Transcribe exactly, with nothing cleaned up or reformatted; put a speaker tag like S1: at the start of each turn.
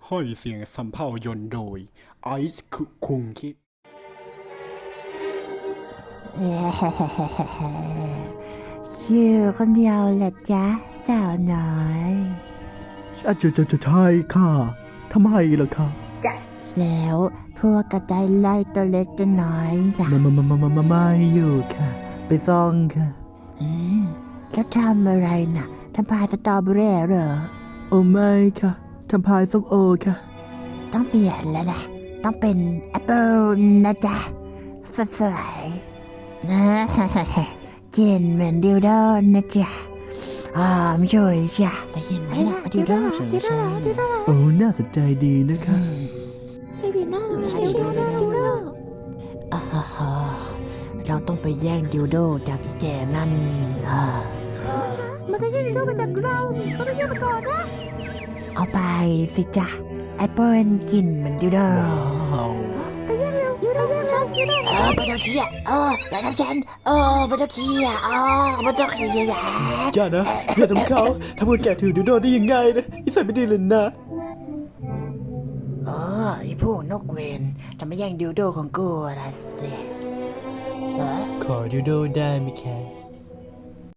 S1: ห้อยเสียงสำเภายนต์โดยไอซ์คุงคิด
S2: ชื่อคนเดียวแหละจ๊ะสาวน้อย
S3: อาจจะจะจะใช่ค่ะทำไมล่ะคะ
S2: แล้วพวกกระต่ายไล่ตัวเล็กตัวน้อยล่ะ
S3: มามามามามามาไม่อยู่ค่ะ ไปซ่องค่ะ
S2: อืมแล้วทำอะไรน่ะทำพายสตรอเบอรี่เหรอ
S3: โอ้ไม่ค่ะทำพายส้มโอค่ะ
S2: ต้องเปลี่ยนแล้วนะต้องเป็นแอปเปิลนะจ๊ะสวยๆนะกินเหมือนดิวโดนะจ๊ะหอมช่วยจ้ะได้ยินไหมล่ะดิวโดดิวโดดิวโด
S3: โอ้น่าสนใจดีนะคะ
S2: ไม่ผิดหน้าเลยดิวโดดิวโดอ่าฮะเราต้องไปแย่งดิวโดจากอีแกนั่นอ่ามันจะแย่งดิวโดมาจากเราเราต้องแย่งมาก่อนนะเอาไปสิจ๊ะแอปเปิลกินเหมือนดิวโดไปแย่งเร็วดิวโดของฉันดิวโดเออไม่ต้องเคียเอออย่าทำฉันเออไม่ต้องเคียเออไม่ต้องเคียอย่า
S3: อย่านะอย่าทำเขาทำคนแก่ถือดิวโดได้ยังไงนะนิสัยไม่ดีเลยนะ
S2: เออไอพวกนกเวนจะมาแย่งดิวโดของกูละสิเออ
S3: ขอดิวโดได้ไหมคะ